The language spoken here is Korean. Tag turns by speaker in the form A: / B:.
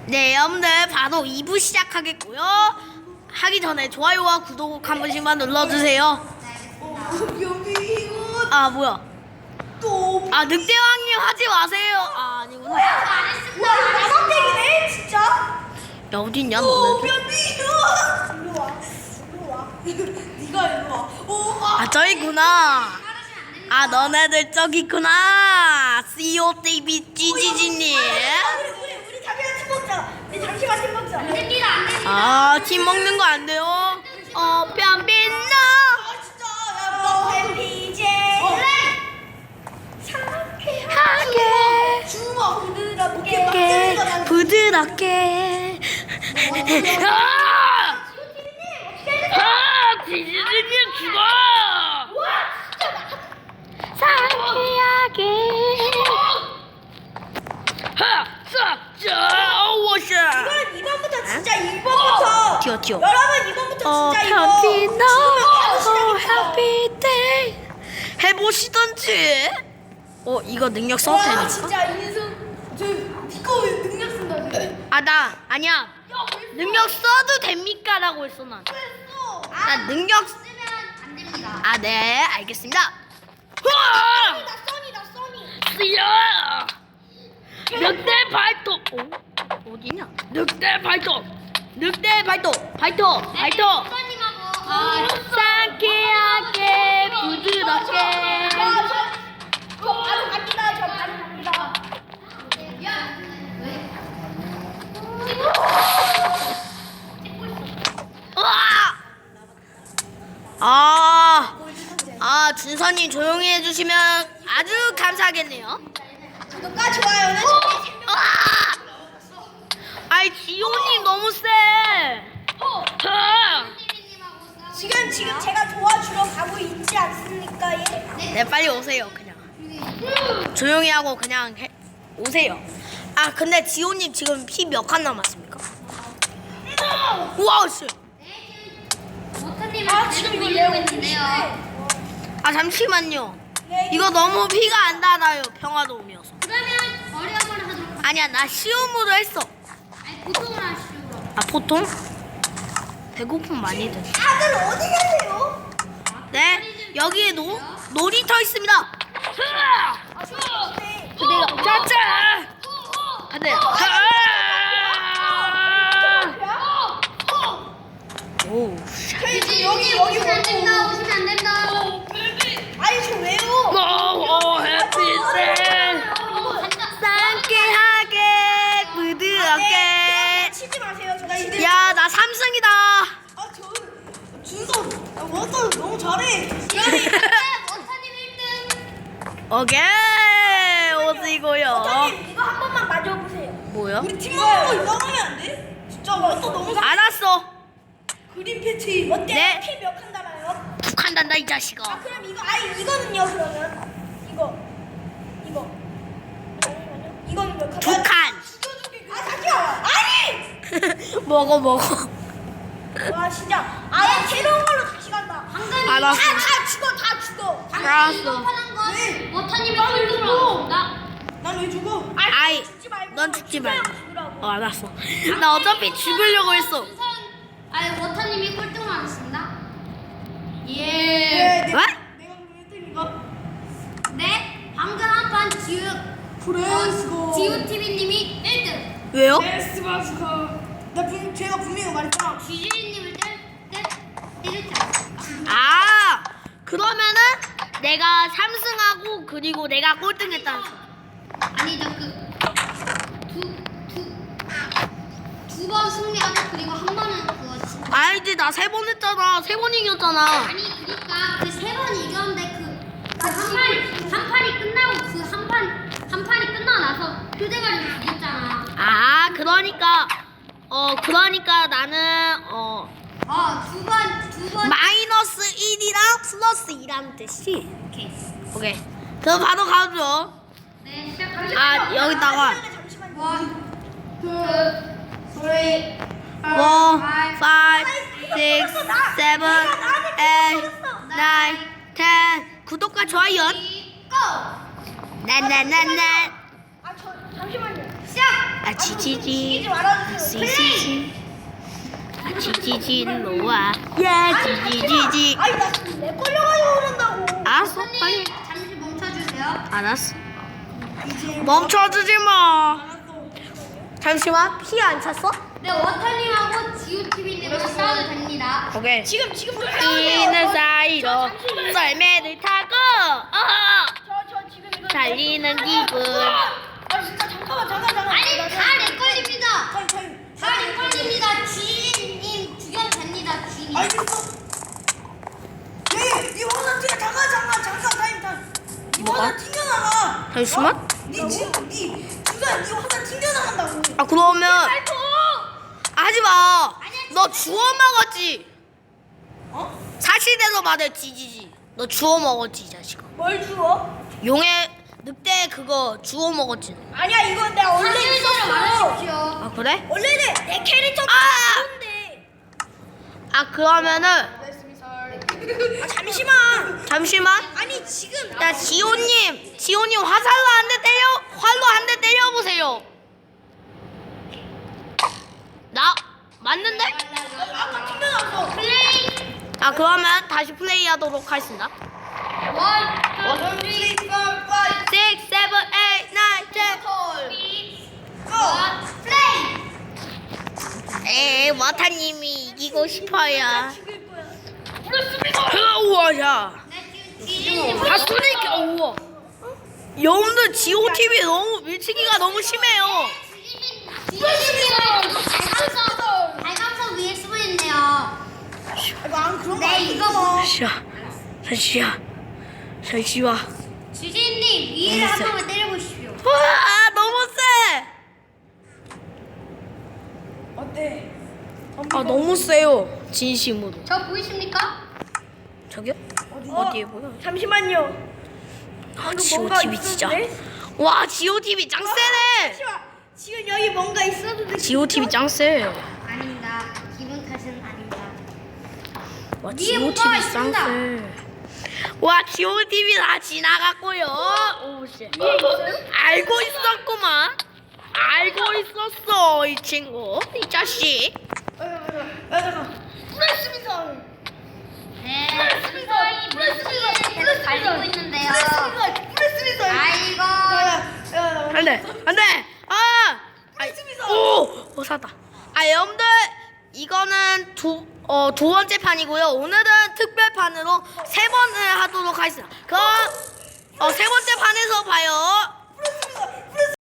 A: 네, 여러분들 바로 2부 시작하겠고요. 하기 전에 좋아요와 구독 한 번씩만 눌러주세요.
B: 여기 이거
A: 아, 뭐야?
B: 또
A: 아, 늑대왕님 하지 마세요. 아, 아니구나.
B: 와 나선택이네 진짜.
A: 야, 어딨냐,
B: 오
A: 너네?
B: 변비 일로 와. 네가 일로 와. 오
A: 아, 저기구나. 아, 너네들 저기 있구나. COTV GGG님.
B: 우리 잠시만 팀 먹자. 우리 잠시만 팀 먹자. 안 됩니다 안 됩니다.
A: 아, 팀 먹는 거 안 돼요. 변빈너.
B: 아 진짜 야 변비제.
A: 하게.
B: 주먹 부드럽게
A: 부드럽게. 지지지님 죽어. 상쾌하게.
B: 이건 2번부터 진짜 1번부터.
A: 튀어.
B: 여러분 2번부터 진짜 이거.
A: 변빈너.
B: 지금
A: happy day. 해보시던지. 이거 능력 써도
B: 와
A: 되니까?
B: 진짜 인성 저 니꺼 왜 능력 쓴다 쟤.
A: 아니야. 능력 써도 됩니까? 라고 했어, 난. 난 능력
B: 쓰면 안 됩니다.
A: 아, 네, 알겠습니다.
B: 나 써니.
A: 쓰여! 늑대 발톱! 어디냐? 늑대 발톱! 발톱! 상쾌하게, 부드럽게.
B: 저 바로 갑니다. 저 바로 갑니다.
A: 준서님 조용히 해주시면 아주 감사하겠네요.
B: 구독과 좋아요는
A: 아이, 지호님 너무 세!
B: 지금 제가 도와주러 가고 있지 않습니까? 예?
A: 네, 빨리 오세요, 그냥. 조용히 하고 그냥 오세요. 아, 근데 지호님 지금 피 몇 칸 남았습니까? 우와, 씨!
B: 아 지금 이거 내고 있는데요.
A: 아, 잠시만요. 이거 너무 피가 안 달아요, 평화도움이어서.
C: 그러면 어려움을 하도록 하겠습니다.
A: 아니야, 나 쉬움으로 했어.
C: 아니 보통을 하시고.
A: 아, 보통? 배고픔 많이 드.
B: 다들 어디 계세요?
A: 네, 여기에 놀이터 있습니다.
B: 네.
A: 짜짜! 안 돼. 오,
B: 여기
C: 오시면 안 된다.
B: 보고.
C: 오시면 안 된다.
B: 아니 저 왜요?
A: 해피생! 상쾌하게, 부드럽게.
B: 치지 마세요. 저 지금
A: 야, 나 3승이다.
B: 저 준서 워터 너무 잘해.
C: 원타님 1등.
A: 오케이, 오시고요.
B: 원장님 이거 한 번만 맞아보세요.
A: 뭐야?
B: 우리 팀원으로 인정하면 안 돼? 진짜 워터 너무 잘해.
A: 알았어.
B: 그린 패치 어때?
A: 네.
B: 피몇칸 달아요?
A: 북한 단다, 이 자식아.
B: 그럼 이거 이거는요 그러면 이거 잠시만요. 이거는 몇 칸?
A: 두 칸.
B: 잠시만. 아니.
A: 먹어.
B: 와 진짜 아예 새로운 걸로 다시 간다.
C: 방금
A: 알았어.
B: 다 죽어.
A: 알았어.
C: 이거 건
B: 네.
C: 원타님이 꼴등으로 나왔습니다.
B: 난 왜 죽어?
A: 아이,
B: 죽지 말고.
A: 넌 죽지 말고.
B: 죽으라고.
A: 알았어. 나 어차피 죽으려고 했어.
C: 아니 원타님이 꼴등으로 나왔습니다. 예.
B: 네,
A: 왜?
B: 내가 그럼 1등인가?
C: 네. 방금 한판 지우 TV님이 1등.
A: 왜요?
B: 에스바스카. 제가 분명히 말했잖아.
C: 쥐쥐님을 때렸지 않습니까?
A: 아, 그러면은 내가 3승하고 그리고 내가 꼴등했다는 소리.
C: 아니죠 두 번 승리하고 그리고 한 번은 그거 진짜.
A: 알지, 나 3번 했잖아. 3번 이겼잖아.
C: 아니 그러니까 그 세 번 이겼는데 한 판이 끝나고 그 한 판이 끝나고 나서 휴대가리로 이겼잖아.
A: 아, 그러니까 나는
C: 두 번.
A: 마이너스 1이랑 플러스 2라는 뜻이. 오케이. 그럼 바로 가죠.
C: 네 시작합니다.
A: 아, 여기다가
B: 잠시만요.
C: 원, 투,
B: 3,
A: 4, 5, 6, 7, 8, 9, 10. 구독과 좋아요.
C: 고!
A: 나나나나.
B: 잠시만요.
C: 시작!
A: 아 지지지
B: 이기지 말아주세요.
A: 지지지 지지지 일로와 야 지지지지
B: 아니 나 지금 내 걸려가지고 그런다고.
A: 알았어
C: 손님
A: 빨리
C: 잠시 멈춰주세요.
A: 알았어 멈춰주지 마
B: 알았어.
A: 잠시만 피 안 찼어?
C: 네, 워터님하고 지우TV님은 싸워도 됩니다.
A: 오케이
B: 지금 좀
A: 뛰는 사이로 썰매를 타고
B: 저 지금 이거
A: 달리는 기분
B: 아 진짜 잠깐만.
C: 아니, 다 내 걸립니다.
B: 타임.
C: 다 내 걸립니다. 주인님 죽여도 됩니다. 주인님.
B: 알겠어. 네 화장 튀어. 잠깐 타임. 네
A: 뭐가?
B: 화장 튕겨나가.
A: 잠시만
B: 네 지금 네 화장 튕겨나간다고.
A: 아 그러면 하지마 너 주워 먹었지
B: 어?
A: 사실대로 말해 지지지 너 주워 먹었지 이 자식아
B: 뭘 주워?
A: 용의 늑대 그거 주워 먹었지
B: 아니야 이거 내가 원래
C: 사실대로
B: 있었어.
C: 말하십시오.
A: 아 그래?
B: 원래는 내 캐릭터
A: 아!
B: 좋은데.
A: 아 그러면은
B: 아 잠시만.
A: 잠시만
B: 아니 지금
A: 야 지호님 활로 한 대 때려보세요 나 맞는데?
B: 아까 튕겨나갔어.
C: 플레이.
A: 아 그러면 다시 플레이하도록 하겠습니다
C: 1, 2, 3, 4, 5,
A: 6, 7, 8, 9, 10
C: 플레이.
A: 에이 와타님이 이기고 싶어요
B: 죽일 거야.
A: 우와 야
C: 네, 주인님.
A: 다 쏘니까 우와 여러분들 지오TV 너무 밀치기가 너무 심해요
C: 주인님은 발광석 위에 쓰고 있네요.
B: 이거 안 그런 거
C: 네,
B: 아니야.
C: 이거 뭐.
A: 잠시만
C: 주인님 위에를 한 번만 때려보십시오.
A: 와 너무 세
B: 어때?
A: 아 너무 세요 진심으로
C: 저 보이십니까?
A: 저기요? 어디에 보여?
B: 잠시만요.
A: 아
B: 방금 뭔가
A: 지오TV 진짜
B: 있었는데?
A: 와 지오TV 짱 세네
B: 잠시만. 지금 여기 뭔가 있었는데.
A: 지오TV 짱 세요
C: 아닙니다. 기분 탓은 아닙니다.
A: 와
C: 위에 뭐가
A: 지오TV 짱
C: 있습니다.
A: 세. 와 지오TV 다 지나갔고요 오씨 알고 있었구만 알고 있었어 이 친구 이 자식
B: 잠깐. 프레스미설.
C: 네, 순서이 물속에 계속 달리고 있는데요.
B: 프레스미설.
C: 아이고.
A: 안돼 안돼 아 오 살았다 아 여러분들 이거는 두 번째 판이고요 오늘은 특별판으로 세 번을 하도록 하겠습니다 그럼 세 번째 판에서 봐요
B: 프레스미설.